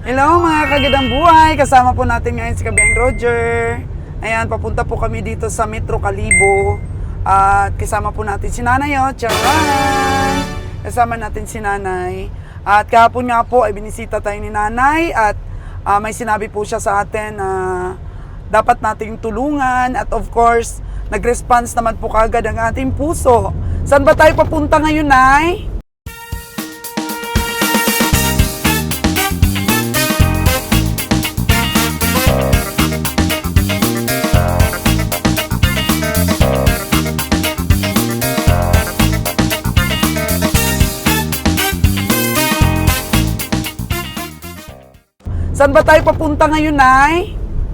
Hello mga kagandang buhay! Kasama po natin ngayon si Kabiang Roger. Ayan, papunta po kami dito sa Metro Calibo. At kasama po natin si Nanay, Charan! Kasama natin si Nanay. At kahapon nga po ay binisita tayo ni Nanay at may sinabi po siya sa atin na dapat nating tulungan at of course, nag-response naman po kagad ang ating puso. Saan ba tayo papunta ngayon, Nay? Saan ba tayo papunta ngayon, Nay?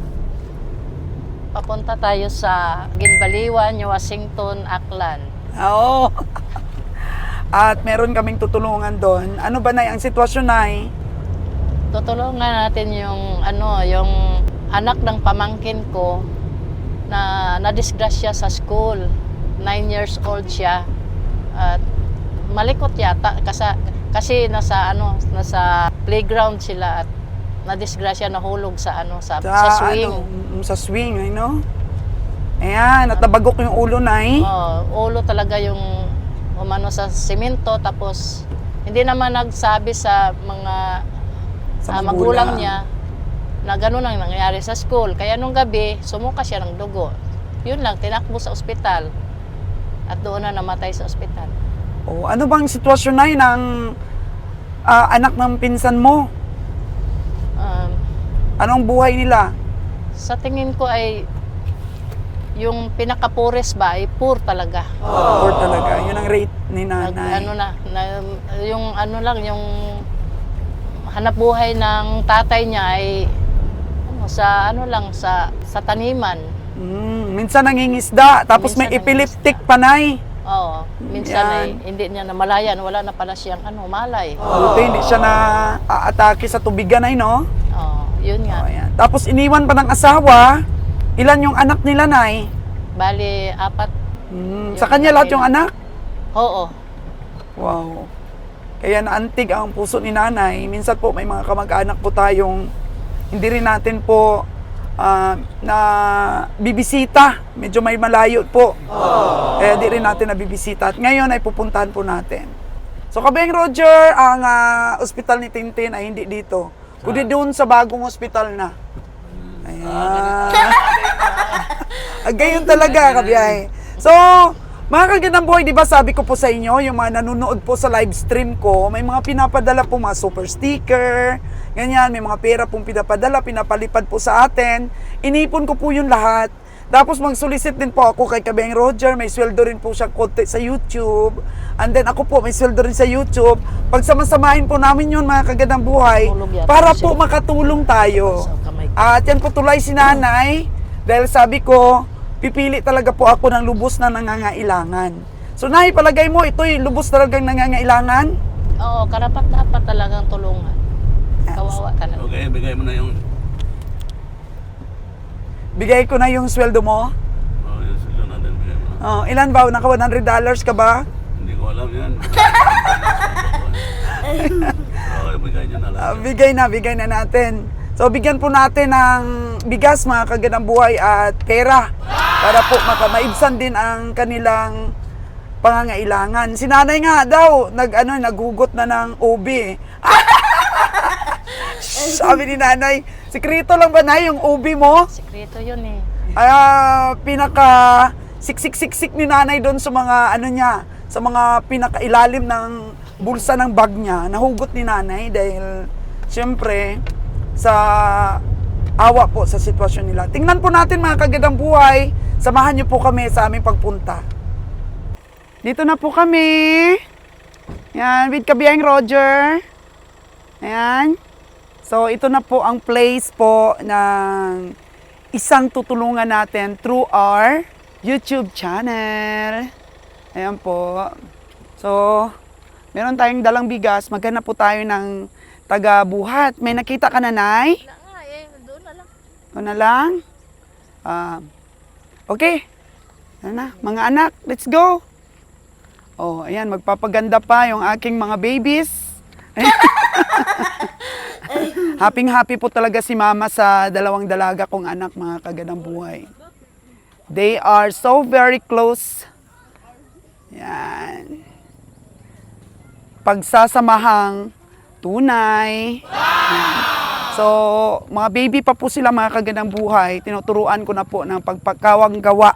Papunta tayo sa Ginbaliwan, Washington, Aklan. Oo. At meron kaming tutulungan doon. Ano ba, Nay, ang sitwasyon, Nay? Tutulungan natin yung yung anak ng pamangkin ko na nadisgrasya sa school. 9 years old siya. At malikot yata kasi nasa playground sila at nadisgrasya, nahulog sa swing. Sa swing, Ayan, natabagok yung ulo, Nay. Ulo talaga yung umano sa simento, tapos hindi naman nagsabi sa mga magulang niya na gano'n ang nangyari sa school. Kaya nung gabi, sumuka siya ng dugo. Yun lang, tinakbo sa ospital at doon na namatay sa ospital. Oh, ano bang sitwasyon, Nay, ng anak ng pinsan mo? Anong buhay nila? Sa tingin ko ay yung pinaka-poorest ba ay poor talaga. Poor talaga. Yun ang rate ni Nanay. Yung hanap buhay ng tatay niya ay sa taniman. Minsan nangingisda, tapos Minsan may epileptic pa, Nay. Oo, minsan ay hindi niya namalayan, wala na pala siyang malay. Buti hindi siya na aatake sa tubigan, Nay, no? Oo, yun nga. Ayan. Tapos iniwan pa ng asawa. Ilan yung anak nila, Nay? Bali, 4. Sa kanya lahat yung anak? Oo. Wow. Kaya naantig ang puso ni Nanay. Minsan po may mga kamag-anak po tayong hindi rin natin po na bibisita. Medyo may malayo po. Kaya di rin natin na bibisita. At ngayon ay pupuntahan po natin. So, Kabiang Roger, ang ospital ni Tintin ay hindi dito. Kundi doon sa bagong ospital na. Ayan. Gayon talaga, Kabiyahe. So, mga kagandang buhay, di ba sabi ko po sa inyo, yung mga nanonood po sa live stream ko, may mga pinapadala po mga super sticker, ganyan, may mga pera pong pinapadala, pinapalipad po sa atin. Inipon ko po yung lahat. Tapos mag-solicit din po ako kay Kabiang Roger, may sweldo rin po siya konti sa YouTube. And then ako po, may sweldo rin sa YouTube. Pagsamasamahin po namin yun, mga kagandang buhay, para po makatulong tayo. At yan po tulay si Nanay, dahil sabi ko, pipili talaga po ako ng lubos na nangangailangan. So, Nay, palagay mo, ito'y lubos talagang nangangailangan? Oo, karapat-dapat talagang tulungan. Kawawa talaga. Okay, bigay mo na yung... Bigay ko na yung sweldo mo? yung silo natin, bigay mo na. Ilan ba? Naka $100 ka ba? Hindi ko alam yan. Okay, bigay nyo na lang. Bigay na natin. So, bigyan po natin ng bigas, mga kagandang buhay, at pera para po maibsan din ang kanilang pangangailangan. Si Nanay nga daw, naghugot na ng ubi. Sabi ni Nanay, sikreto lang ba, Nay, yung ubi mo? Sikreto yun eh. Pinaka siksik-siksik ni Nanay doon sa mga sa mga pinakailalim ng bulsa ng bag niya. Nahugot ni Nanay dahil siyempre sa awa po sa sitwasyon nila. Tingnan po natin, mga kagandang buhay. Samahan niyo po kami sa aming pagpunta. Dito na po kami. Yan, with Kabiang Roger. Ayan. So, ito na po ang place po ng isang tutulungan natin through our YouTube channel. Ayan po. So, meron tayong dalang bigas. Maghanap po tayo ng taga-buhat. May nakita ka na, Nay? Doon na lang. Doon na lang? Okay. Ano na, mga anak, let's go. Oh, ayan, magpapaganda pa yung aking mga babies. Happy po talaga si mama sa dalawang dalaga kong anak, mga kagandang buhay. They are so very close. Yan. Pagsasamahang tunay. Yan. So, mga baby pa po sila, mga kagandang buhay. Tinuturuan ko na po ng pagpagkawang gawa.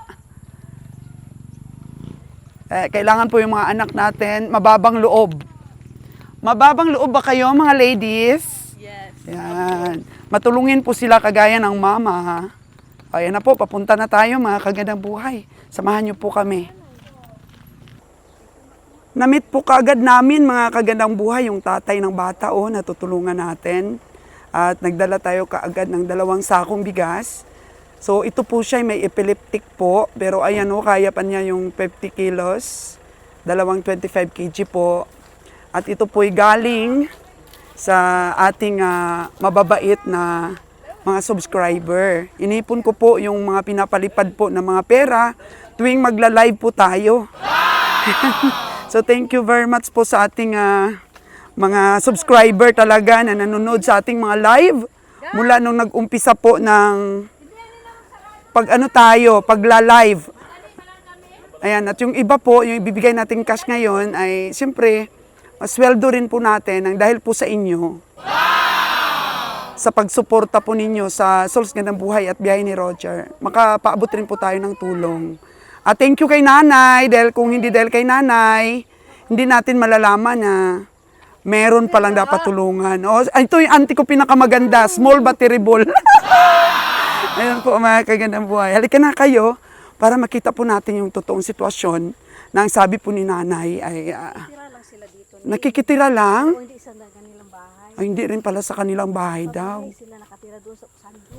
Kailangan po yung mga anak natin, mababang loob. Mababang loob ba kayo, mga ladies? Yes. Yan. Matulungin po sila kagaya ng mama. Ayan na po, papunta na tayo, mga kagandang buhay. Samahan niyo po kami. Namit po kaagad namin, mga kagandang buhay, yung tatay ng bata, natutulungan natin. At nagdala tayo kaagad ng 2 sakong bigas. So ito po siya, may epileptic po. Pero ayan kaya pa niya yung 50 kilos. 25 kg po. At ito po'y galing sa ating mababait na mga subscriber. Inipon ko po yung mga pinapalipad po ng mga pera tuwing magla-live po tayo. So thank you very much po sa ating mga subscriber talaga na nanonood sa ating mga live mula nung nag-umpisa po ng pagla-live. Ayan, at yung iba po, yung ibibigay nating cash ngayon ay siyempre sweldo rin po natin dahil po sa inyo. Sa pagsuporta po ninyo sa Souls Gandang Buhay at Biyahe ni Roger. Makapaabot rin po tayo ng tulong. At thank you kay nanay, dahil kung hindi dahil kay nanay, hindi natin malalaman na meron palang dapat tulungan. Ito yung auntie ko pinakamaganda, small but terrible. Ayun po, mga kagandang buhay. Halika na kayo para makita po natin yung totoong sitwasyon na ang sabi po ni nanay ay nakikitira lang. O hindi isa na kanilang bahay. Ay, hindi rin pala sa kanilang bahay daw. Hindi sila nakatira doon sa Sando.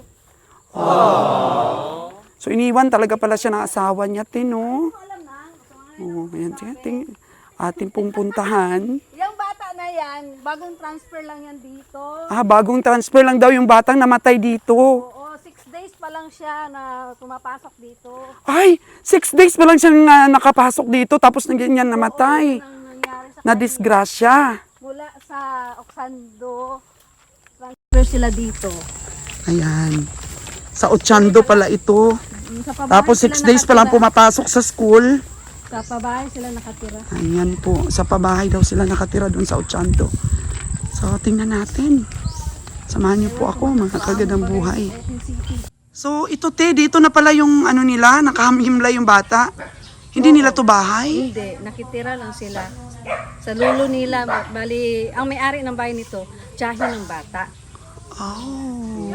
So iniwan talaga pala siya ng asawa niya, no? Ayan, ating pong puntahan. Yung bata na yan, bagong transfer lang yan dito. Bagong transfer lang daw yung batang namatay dito. Oo, 6 days pa lang siya na pumapasok dito. Ay, 6 days pa lang siya nakapasok dito tapos ganyan namatay. Ang nangyari sa Na disgrasya. mula sa Oksando, transfer sila dito. Ayan. Sa Ochando pala ito. Sa pabahay Tapos sila 6 days pa lang nakatira. pumapasok sa school. Sa pabahay sila nakatira. Ayan po. Sa pabahay daw sila nakatira doon sa Ochando. So, tingnan natin. Samahan niyo po ako, mga kagandang buhay. So, ito dito na pala yung nila, nakahamhimlay yung bata. Hindi nila to bahay. Hindi, nakitira lang sila. Sa lulo nila, bali, ang may-ari ng bahay nito, tiyahin ng bata. Oh.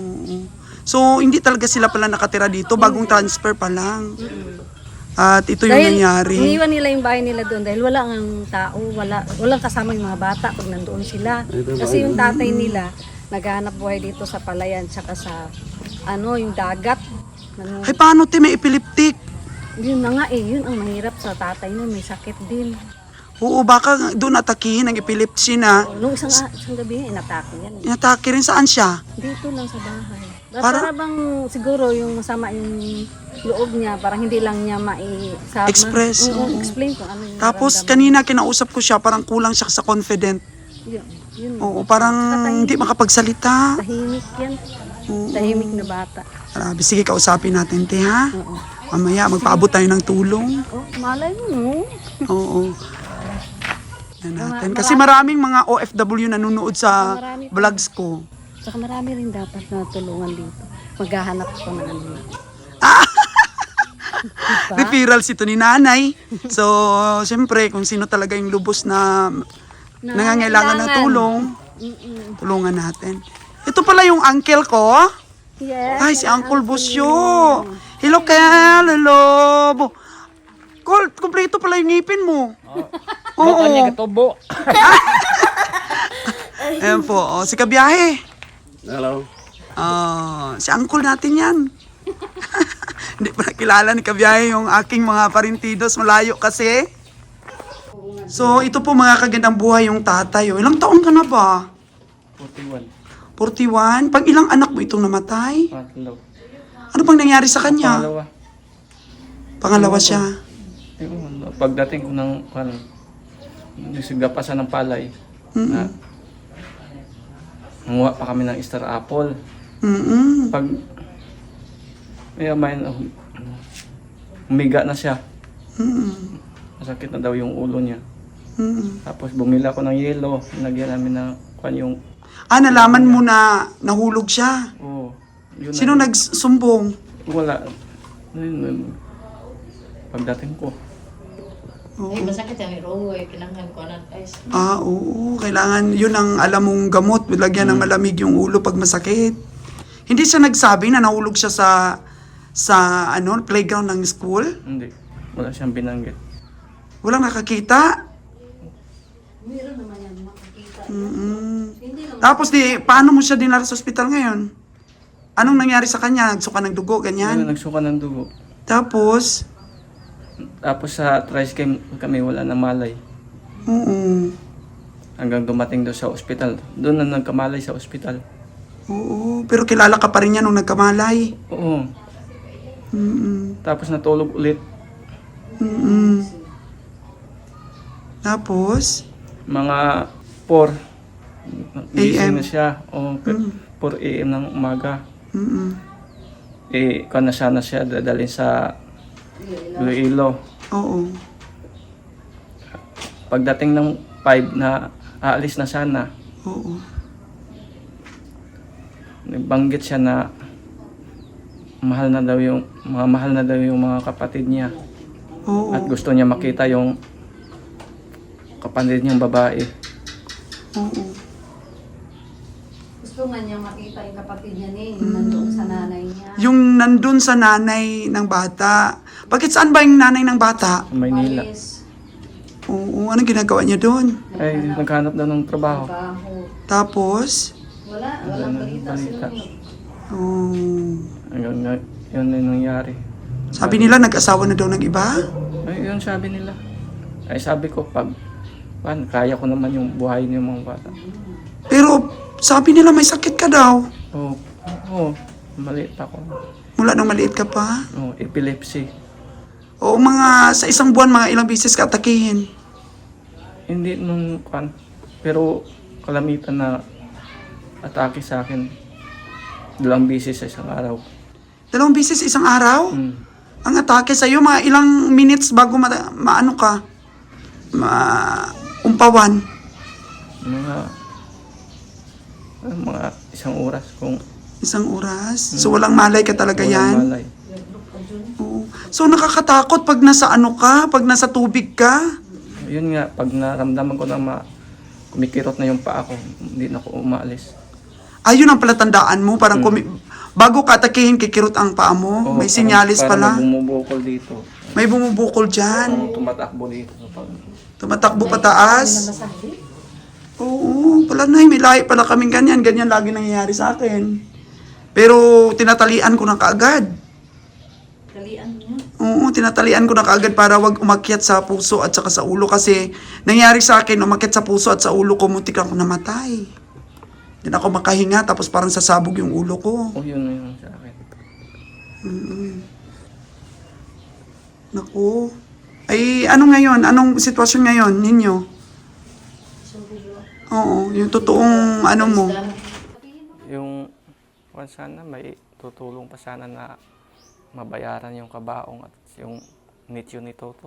So, hindi talaga sila pala nakatira dito, bagong transfer pa lang. At ito yung nangyari. Iniwan nila yung bahay nila doon dahil wala ang tao, walang kasama yung mga bata pag nandoon sila. Kasi yung tatay nila, naghahanap buhay dito sa palayan, tsaka sa, yung dagat. Ay, paano may epileptic? Yun na nga yun ang mahirap sa tatay na may sakit din. Oo, baka doon atakihin ang epilepsy na. Nung isang gabi nga, inatake yan. Inatake rin, saan siya? Dito lang sa bahay. Para- Para bang siguro yung masama yung loob niya, parang hindi lang niya Express, oo. explain kung ano yung Tapos nararamdaman. kanina kinausap ko siya, parang kulang siya sa confident. Yun. Oo, parang hindi makapagsalita. Tahimik yan. Oo. Tahimik na bata. Grabe, sige, kausapin natin, te, ha? Oo. Mamaya, magpaabot tayo ng tulong. Oh, malay mo. Oo. Yan natin. Kasi maraming mga OFW nanonood sa Marami pa. vlogs ko. Saka marami rin dapat na tulungan dito. Maghahanap ko ng ano. Referrals ito ni nanay. So, siyempre, kung sino talaga yung lubos na nangangailangan ng tulong, tulungan natin. Ito pala yung uncle ko. Yes. Ay, si Uncle Busyo. Hello, Kel. Hello. Col, kompleto pala yung ngipin mo. Oo. Kanya katubo. Ayan po. Si Kabiyahe. Hello. Si Uncle natin yan. Hindi pa nakilala ni Kabiyahe yung aking mga parintidos. Malayo kasi. So, ito po mga kagandang buhay yung tatay. Ilang taon ka na ba? 41. 41? Pag ilang anak mo itong namatay? Patlo. Ano bang nangyari sa kanya? Pangalawa. Pangalawa siya. Yung pagdating ko ng nagsigapasan ng palay. Na, Nanguha pa kami ng Star Apple. Mm-mm. Pag may humiga na siya. Mm-mm. Masakit na daw yung ulo niya. Mm-mm. Tapos bumili ako ng yelo. Nilagyan namin ng yung... Nalaman mo na nahulog siya. Oh, yun Sino na, nagsumbong? wala. Yun. Pagdating ko. Ay, masakit yung irogo eh. Kinanghan ko na ice. Oo. Kailangan, yun ang alam mong gamot. Lagyan ng malamig yung ulo pag masakit. Hindi siya nagsabi na nahulog siya sa playground ng school? Hindi. Wala siyang binanggit. Walang nakakita? Meron naman yan makikita. Mm-mm. Hindi naman. Tapos paano mo siya dinala sa ospital ngayon? Anong nangyari sa kanya? Nagsuka ng dugo, Ayun, ganyan? nagsuka ng dugo. Tapos, Sa tricycle kami wala na malay. oo. Hanggang dumating doon sa ospital. Doon na nagkamalay sa ospital. Oo. Pero kilala ka pa rin niya nung nagkamalay. Oo. Mm-mm. Tapos natulog ulit. Mm-mm. Tapos, Mga 4 gising AM. na siya. O 4 AM ng umaga. mm-mm. Na siya dadalhin sa Iloilo. Oo. Pagdating ng 5 na aalis na sana, Oo. nagbanggit siya na mahal na daw yung mga kapatid niya. Oo. At gusto niya makita yung kapatid niyang babae. Oo. Gusto nga niya makita yung kapatid niya yung nandoon sa nanay niya. Yung nandun sa nanay ng bata. Bakit saan ba yung nanay ng bata? Sa Maynila. Palis, Oo. Anong ginagawa niya doon? Ay, naghanap daw ng trabaho. trabaho. Tapos, Walang balita sila. oh, Yun na yung nangyari. sabi nila nag-asawa na daw ng iba? Ay, yun sabi nila. Ay, sabi ko, kaya ko naman yung buhay ng mga bata. Pero sabi nila may sakit ka daw. Oo, maliit ako. Mula nang maliit ka pa. Epilepsy. O sa isang buwan, mga ilang beses ka atakihin. Hindi nung pero kalamitan na atake sa akin 2 beses sa isang araw. 2 beses isang araw? Mm. Ang atake sa'yo, mga ilang minutes bago maano ka? Umpawan. Mga isang oras kung 1 oras. So walang malay ka talaga walang yan? malay. Oo. So nakakatakot pag nasa pag nasa tubig ka? Yun nga, pag naramdaman ko na kumikirot na yung paa ko, hindi na ako umaalis. Ayun ang palatandaan mo. Parang bago ka atakihin, kikirot ang paa mo. May sinyalis pala. Parang bumubukol dito. May bumubukol dyan. Tumatakbo dito. Tumatakbo pataas. Oo, pala may lahi pala kaming ganyan. Ganyan lagi nangyayari sa akin. Pero tinatalian ko na kaagad. Talian niya. Oo, tinatalian ko na kaagad para wag umakyat sa puso at saka sa ulo. Kasi nangyari sa akin, umakyat sa puso at sa ulo ko, muntik lang ako namatay. Hindi na ako makahinga, tapos parang sasabog yung ulo ko. Yun sa akin. Naku. Ay, ano ngayon? Anong sitwasyon ngayon ninyo? Oo, yung totoong mo. Yung sana may tutulong pa sana na mabayaran yung kabaong at yung nityo ni Toto.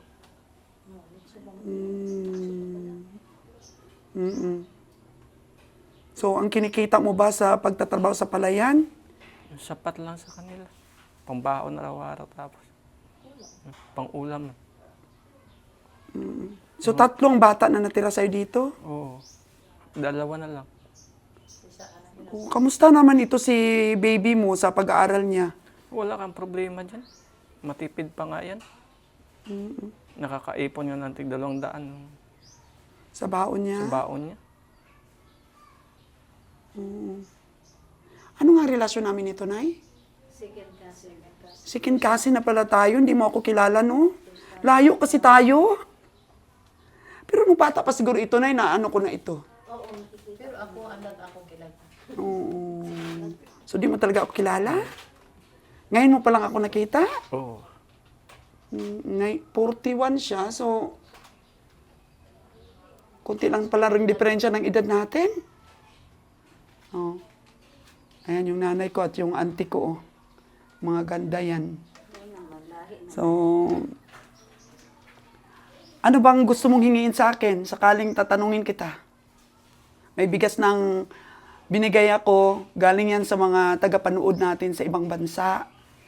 So, ang kinikita mo ba sa pagtatrabaho sa palayan? Yung sapat lang sa kanila. Pangbaon araw-araw tapos. Pang-ulam. So, 3 bata na natira sa'yo dito? Oo. 2 na lang. Kamusta naman ito si baby mo sa pag-aaral niya? Wala kang problema dyan. Matipid pa nga yan. Nakakaipon nga ng tig-200 Sa baon niya? sa baon niya. Ano nga relasyon namin ito, Nay? Second cousin na pala tayo. Hindi mo ako kilala, no? Layo kasi tayo. Pero nung bata pa siguro ito, Nay, na ano ko na ito. Pero ako kilala. Oo. So, di mo talaga ako kilala? Ngayon mo pa lang ako nakita? Oo. 41 siya, so konti lang pala ring diferensya ng edad natin. Oh. Ayan yung nanay ko at yung auntie ko. Oh. Mga ganda yan. So, ano bang gusto mong hingiin sa akin? Sakaling tatanungin kita. May bigas ng binigay ako. Galing yan sa mga tagapanood natin sa ibang bansa.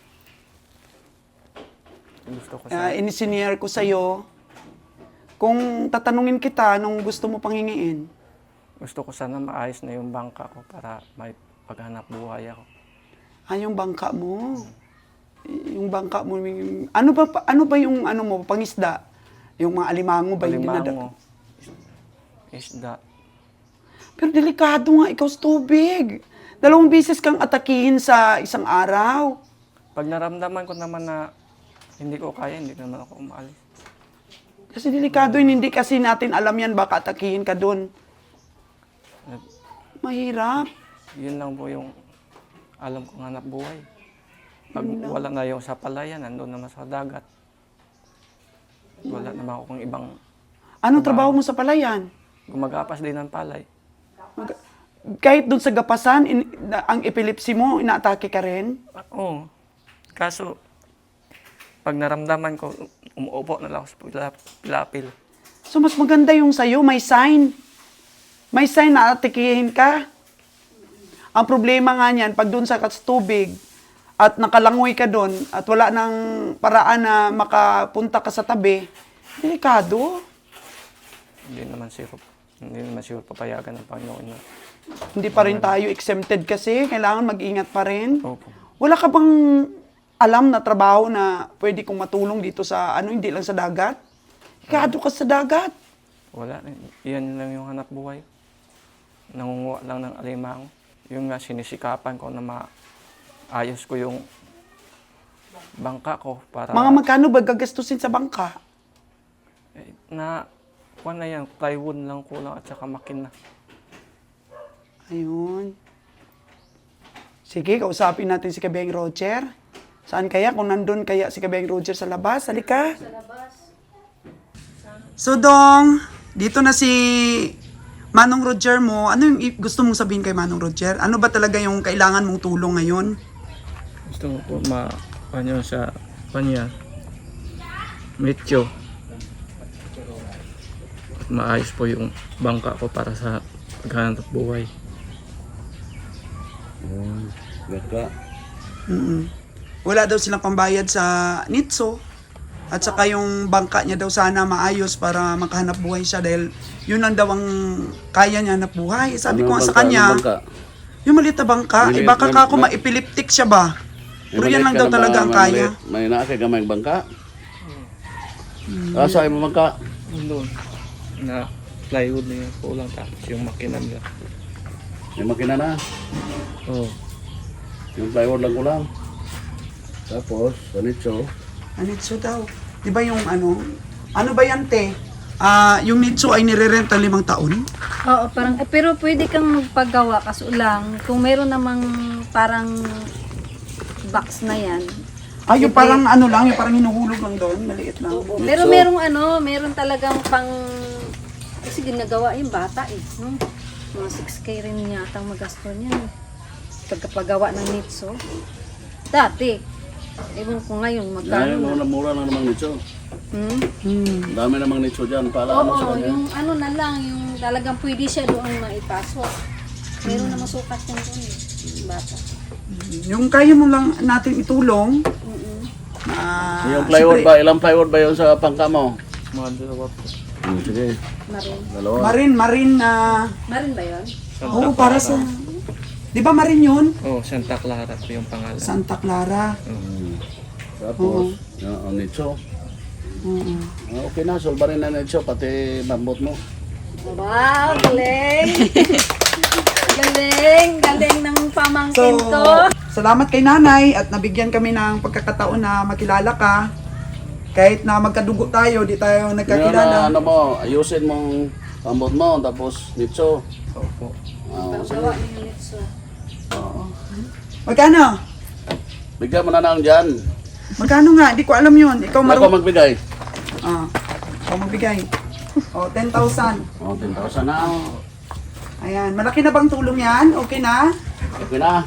Gusto ko sa... Inisinier ko sa'yo. Kung tatanungin kita, anong gusto mo pang hingiin? Gusto ko sana maayos na yung bangka ko para may paghanap buhay ako. Yung bangka mo. Yung bangka mo. Ano ba yung ano mo, pangisda? Yung mga alimango ba yung Alimango, isda. Pero delikado nga ikaw sa tubig. 2 beses kang atakihin sa isang araw. Pag naramdaman ko naman na hindi ko kaya, hindi naman ako umaalis. Kasi delikado yun, hindi kasi natin alam yan, baka atakihin ka doon. Mahirap. Yun lang po yung alam kong hanap buhay. Pag wala na yung sa palayan, nandun naman sa dagat. Wala naman akong ibang Anong trabaho mo sa palayan? gumagapas din ng palay. Kahit doon sa gapasan, ang epilepsy mo, inaatake ka rin? Oo. Kaso, pag naramdaman ko, umuupo na lang ako sa pilapil. So mas maganda yung sa'yo, may sign. May sign na atikihin ka. Ang problema nga niyan, pag doon sa tubig, at nakalangoy ka doon, at wala nang paraan na makapunta ka sa tabi, delikado. Hindi naman sure papayagan ng Panginoon na. Hindi pa rin tayo exempted kasi, kailangan mag-ingat pa rin. Opo. Wala ka bang alam na trabaho na pwede kong matulong dito sa, hindi lang sa dagat? Delikado ka sa dagat. Wala. Yan lang yung hanap buhay. Nangunguha lang ng alimango. Yung nga, sinisikapan ko na maayos ko yung bangka ko para... Mga magkano ba gagastusin sa bangka? Kuha na yan, plywood lang kulang at saka makina. Ayun. Sige, kausapin natin si Kabeng Roger. Saan kaya? Kung nandun kaya si Kabeng Roger sa labas, halika. Sa labas. So, Dong, dito na si Manong Roger mo. Ano yung gusto mong sabihin kay Manong Roger? Ano ba talaga yung kailangan mong tulong ngayon? Gusto ko po kanya sa kanya. Metyo. Maayos po yung bangka ko para sa paghanap buhay. Baka. Wala daw silang pambayad sa NITSO. At saka yung bangka niya daw sana maayos para makahanap buhay siya dahil yun lang daw ang kaya niya hanap buhay. Sabi ko nga sa kanya, yung maliit na bangka, baka ka ako ma-epileptic siya ba? Pero yan lang daw talaga ang kaya. May naakay ka may bangka? Asa mo bangka? Doon. Na plywood na yung kulang tapos yung makina nila. May makina na. Oo. Yung plywood lang kulang. Tapos, sanitso. NITSO daw. Di ba yung ano ba yan, te? Yung NITSO ay nire-renta 5 taon? Oo, parang, pero pwede kang magpagawa kaso lang, kung meron namang parang box na yan. Yung parang yung parang hinuhulog lang doon, maliit lang. Pero meron talagang kasi ginagawa yung bata no? Mga 6K rin yata ang magasto niyan. Pagkapagawa ng NITSO. Dati. Ewan ko ngayon, magkano na. Mura lang namang nitso. Dami namang nitso dyan. Pala ano sa Oo, kanya? yung na lang, yung talagang pwede siya doon maipasok. Meron na masukat yan doon yung bata. Yung kaya mo lang natin itulong, Yung plywood ba? Ilang plywood ba yun sa pangka mo? Mga dalawa po. Sige. Marin. Dalawa. Marin na... Marin ba yun? Oo, para sa... Di ba Marin yun? Oo, Santa Clara po yung pangalan. Santa Clara. Tapos, ang nitso. Okay na, solba rin na nitso, pati bambot mo. Wow, galing! galing ng pamangkin to. Salamat kay nanay at nabigyan kami ng pagkakataon na makilala ka. Kahit na magkadugo tayo, di tayo Ngayon nagkakilala. na, ayusin mong bambot mo, tapos nitso. Opo. Gawa ng NITSO. Magkano? Bigyan mo na lang dyan. Magkano nga? Di ko alam yun. Ikaw Ako magbigay. Ikaw magbigay. 10,000. 10,000 na. Ayan, malaki na bang tulong yan? Okay na? Okay na.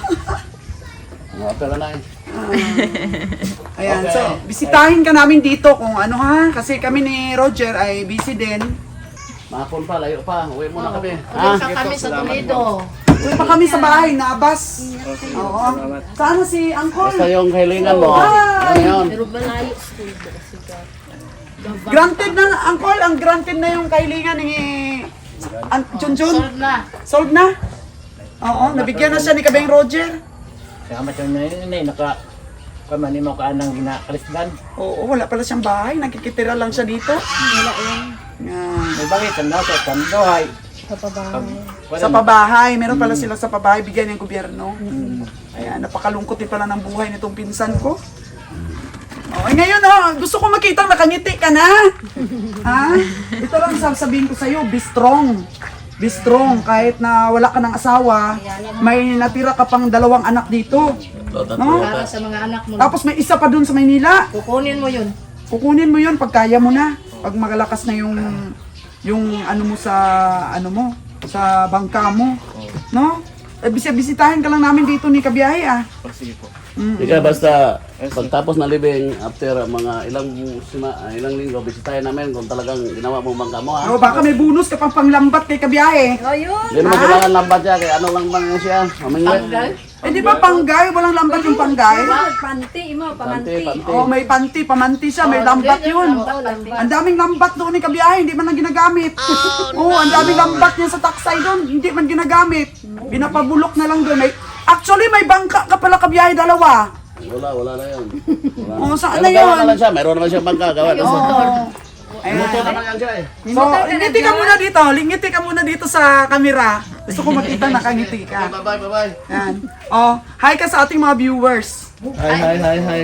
Okay na eh. Ayan, Okay. so bisitahin ka namin dito kung ano ha, kasi kami ni Roger ay busy din. Mahapon pa, layo pa. Uwi muna kami. Ulit pa kami sa Toledo. Uwi pa kami sa bahay, nabas. Oo. Sana si Uncle. Basta yung kahilingan mo. Hi! Yan yun. Granted na, Uncle, ang granted na yung kahilingan ni Junjun. Solve na. Solved na? Oo, nabigyan na siya ni Kabeng Roger. Kaya macam ni naka kamani mo ka nang ginakalisdan. Oo, wala pala siyang bahay, nakikitira lang siya dito. Wala yan. Yan. May bangit ang nasa kandohay. Sa pabahay. Sa pabahay, meron pala sila sa pabahay, bigyan ng gobyerno. Ayan, napakalungkot din pala ng buhay nitong pinsan ko. Oh, ngayon gusto ko makita nakangiti ka na. Ha? Ito lang sasabihin ko sa'yo, be strong. Be strong, kahit na wala ka ng asawa, may natira ka pang 2 anak dito. No? Para sa mga anak mo. Tapos may isa pa dun sa Maynila. Kukunin mo yun. Kukunin mo yun pag kaya mo na. Pag magalakas na yung ano mo sa bangka mo. No? Bisitahin ka lang namin dito ni Kabiyahe Sige po. Ika basta pagtapos na living after mga ilang linggo bisitahin namin kung talagang ginawa mo bangka mo ha. O baka may bonus ka pang panglambat kay Kabiyahe. Ayun. Hindi mo kailangan lambat siya kaya ano lang bang siya. Mamingwit. Eh di ba panggay? Walang lambat yung panggay? Panti mo, pamanti. Panti. Oh, may panti, pamanti siya, may lambat yun. Ang daming lambat doon ni Kabiyahe, hindi man lang ginagamit. Oh, ang daming lambat niya sa taksay doon, hindi man ginagamit. Binapabulok na lang doon. Actually, may bangka ka pala Kabiyahe, 2. Wala na yun. Wala. Oh, saan Pero na gawa yun? na lang siya, mayroon naman siya bangka gawa. Ayan. naman yan siya eh. So, lingiti ka muna dito. Lingiti ka muna dito sa camera. Gusto ko makita nakangiti ka. Bye. Yan. Oh, hi ka sa ating mga viewers. Hi.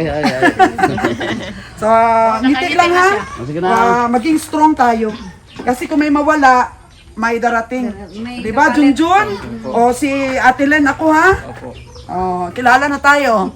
So, ngiti lang ha. Sige na. Maging strong tayo. Kasi kung may mawala, may darating. May Di ba, Junjun? O si Ate Len, ako ha? Opo. Oh, kilala na tayo.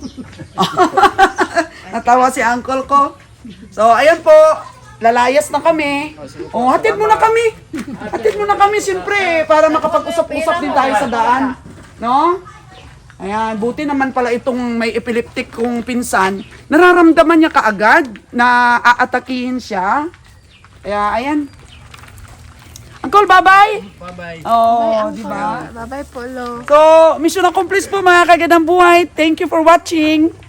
Natawa si uncle ko. So, ayan po. Lalayas na kami. Oh, hatid mo na kami. Hatid mo na kami, siyempre, para makapag-usap-usap din tayo sa daan. No? Ayan, buti naman pala itong may epileptic kong pinsan. Nararamdaman niya kaagad na aatakihin siya. Kaya, ayan. Uncle, bye-bye! Bye-bye. Oh, di ba? Bye-bye, Polo. So, mission accomplished po mga kagandang buhay. Thank you for watching.